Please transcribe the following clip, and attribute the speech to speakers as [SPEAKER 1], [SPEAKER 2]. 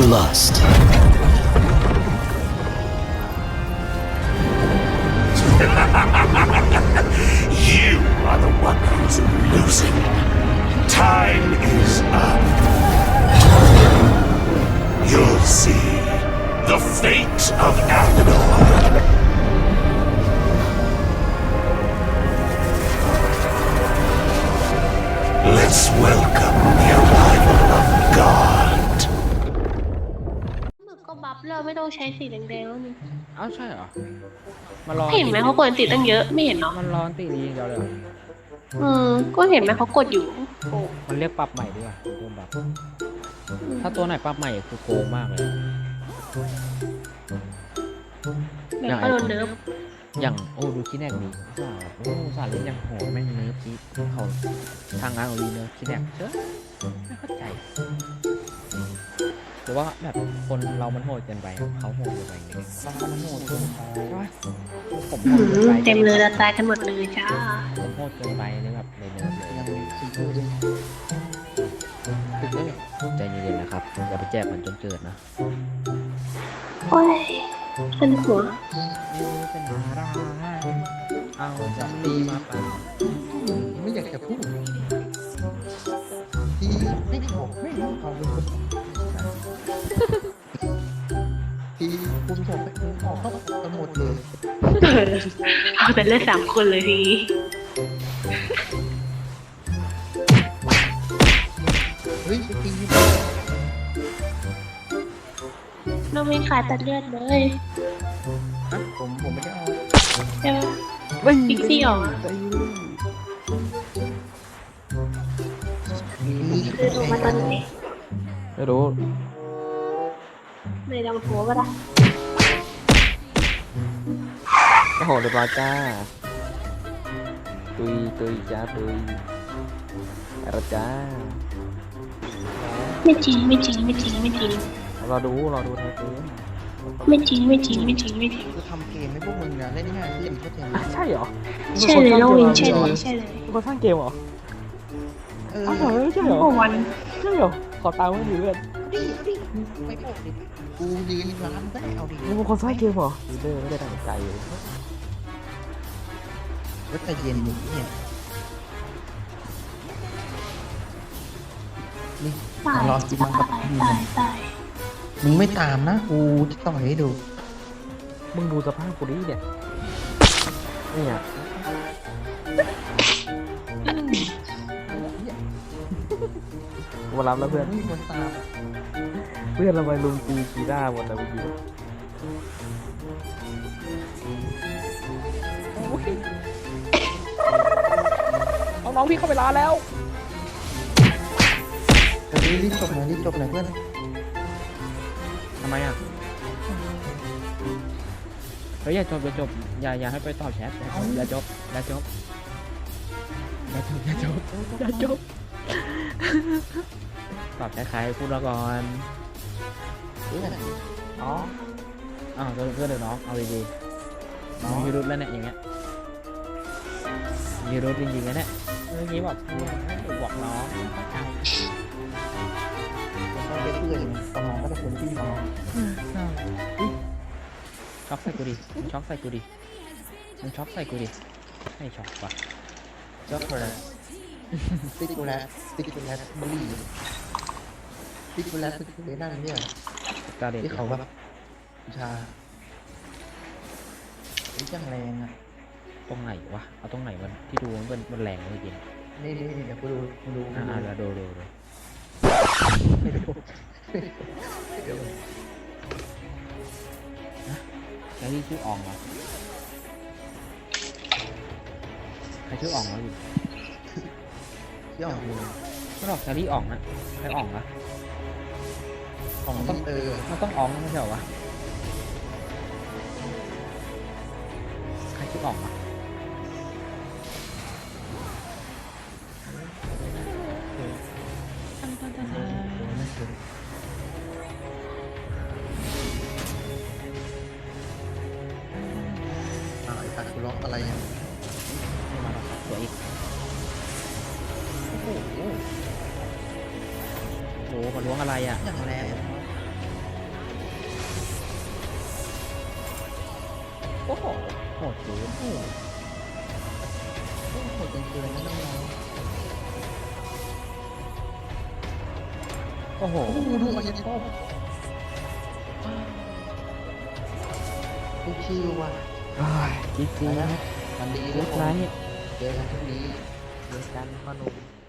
[SPEAKER 1] bloodlust.
[SPEAKER 2] You are the one who's losing. Time is up. You'll see the fate of Athenor. Let's welcome the arrival of God.
[SPEAKER 3] มึกก็บัฟแล้วไม่ต้องใช้สีแดงๆแล้วนี่
[SPEAKER 4] อ้าวใช่เหรอมันรอ
[SPEAKER 3] เห็นไหมเขากดติดตั้งเยอะไม่เห็นเนาะ
[SPEAKER 4] มันร้อนตีนี้อย่างเดียวเลยเหรอ
[SPEAKER 3] ก็เห็นไหมเขากดอยู่โอ้
[SPEAKER 4] มันเรียกปรับใหม่ดีกว่าตัวปรับถ้าตัวไหนปรับใหม่คือโกงมากเลย
[SPEAKER 3] แบบก็โดนเนิร์ฟ
[SPEAKER 4] อย่างโอ้ดูคิดแนกนี้สาโอ้สาเล่นยังโหดแม่งเนิร์ฟที่เขาทางงานของรีเนิร์ฟคิดแนกเชื่อไม่เข้าใจหรือว่าแบบคนเรามันโหดเกินไปเขาโหดเกินไปอย่างเงี้ยมันโหดเกินไปใช่ไหมผมโหดเกินไป
[SPEAKER 3] เต็มเลยละตายกันหมดเลยจ้า
[SPEAKER 4] ผมโหดเกินไปเลยแบบเลยเนิร์ฟเลยใจเย็นๆนะครับอย่าไปแจกมันจนเกิดนะ
[SPEAKER 3] โอ้ยขึ้นหัว
[SPEAKER 4] เป็นอะไรเอาจะตีมาป่ะ
[SPEAKER 5] ไม่อยากจะพูดที่ไม่บอกไม่รู้เอาเป็นคนที่คุณบอกไปคุณออกเข้ากันหมดเลย
[SPEAKER 3] เอาแต่เล่น3 คนเลยทีนี้
[SPEAKER 5] เฮ้ยจริง
[SPEAKER 3] เราไม่ขายตัดเลือดเลย
[SPEAKER 5] ๆนะผมไม่ได้เอา
[SPEAKER 3] ใช่ไหมพิกซี่ออกอะคือลงมาตอนไหน
[SPEAKER 4] ไม่รู้
[SPEAKER 3] ในดังหัวก็ได้
[SPEAKER 4] โอ้โหเรียบร้อยจ้าตุยจ้าตุยอะไรจ้า
[SPEAKER 3] ไม่จริงไม่จริงไม่จริงไม่จริง
[SPEAKER 4] รอดูไทยเกม
[SPEAKER 3] ไม่จริงไม่จริงไม่จริงไม่จริง
[SPEAKER 5] จะทำเกมให้พวกมึงนะเล่นง่ายขึ้นเข้าใจไหม
[SPEAKER 4] ใช่เหรอ
[SPEAKER 3] ใช่เลยน้องวินใช่เลยใช่เลย
[SPEAKER 4] เป็นคนสร้างเกมเหรอ
[SPEAKER 5] เออ
[SPEAKER 4] อ้าวเหรอใช่เหรอ
[SPEAKER 3] โอ้วัน
[SPEAKER 4] ใช่เหรอขอตามไม่ดีเพื่อน
[SPEAKER 5] ดิไม่บอกดิกูยืนร้านได้เอาดิ
[SPEAKER 4] มึงเป็นคนสร้างเกมเหรอเด้อไม่ได้ตั้งใจเลย
[SPEAKER 5] ก็ใจเย็นอยู่เนี่ยนี่
[SPEAKER 3] ตาย
[SPEAKER 5] รอกินมังกับ
[SPEAKER 3] ตายตาย
[SPEAKER 5] มึงไม่ตามนะกูจะต่อยให้ดู
[SPEAKER 4] มึงดูสภาพกูดิเนี่ยเนี่ยมารับแล้วเพื่อน
[SPEAKER 5] ไม่มีคนตาม
[SPEAKER 4] เพื่อนเราไปลุมตีกีด้าหมดแล้วเมื่อกี้น้องๆพี่เข้าไปร้านแล้ว
[SPEAKER 5] รีบจบหน่อยเพื่อน
[SPEAKER 4] ทำไมอ่ะเฮ้ยอย่าจบอย่าให้ไปตอบแชทอย่าจบตอบแชทใครพูดแล้วก่อน
[SPEAKER 5] เพื่อน
[SPEAKER 4] อ๋ออ้าวเพื่อนเดี๋ยวน้องเอาดีๆน้องมีรุดแล้วเนี่ยอย่างเงี้ยมีรุดจริงๆนะเนี่ยเมื่อกี้บอกบอกน้อง
[SPEAKER 5] ผมก็เป็นเพื่อนตอนน้องก็จะเป็นพี่น้อง
[SPEAKER 4] ช็อกใส่กูดิมึงช็อกใส่กูดิไม่ช็อกว่ะ
[SPEAKER 5] ช็อกโกแลตสติ๊กโกแลตบุหรี่สติ๊กโกแลตนั่นเนี่ย
[SPEAKER 4] ตาเด็ก
[SPEAKER 5] ที่เขาแบบชาไอ้จังแรงอ่ะ
[SPEAKER 4] ตรงไหนวะเอาตรงไหนมันที่ดูมันแรงเลยจริง
[SPEAKER 5] นี่เดี๋ยวกูดู
[SPEAKER 4] อ่าแล้วดู
[SPEAKER 5] ไม่ดูเดี๋ยว
[SPEAKER 4] แล้วนี่ชื่ออ่องเหรอใครชื่ออ่องวะอยู่
[SPEAKER 5] ที่ออกดู
[SPEAKER 4] ไม่หรอกแครี่อ่องนะใครอ่องวะอ่องมันต้อง มันต้องอ่องไม่ใช่เหรอวะใครชื่ออ่องวะ
[SPEAKER 5] ไอ้ตัดกูล็อกอะไรเนี่ย
[SPEAKER 4] ไม่มาหรอกสวยอีกโอ้โหมาล้วงอะไรอ่ะ
[SPEAKER 5] อย่างแรงโอ้โห
[SPEAKER 4] โหดเกิน
[SPEAKER 5] โอ้โหเกินนะน้อง
[SPEAKER 4] โอ้โห
[SPEAKER 5] ๆโอ้โหดูมันยังชอบชิวๆว่ะ
[SPEAKER 4] จริงจริง
[SPEAKER 5] ไปแล้ว
[SPEAKER 4] นะ
[SPEAKER 5] มันดี
[SPEAKER 4] เล็
[SPEAKER 5] แล้ว
[SPEAKER 4] ก
[SPEAKER 5] ผม
[SPEAKER 4] ไลท์
[SPEAKER 5] เจอกันพรุ่งนี้
[SPEAKER 4] เดียวกันพ่อหนุ่ม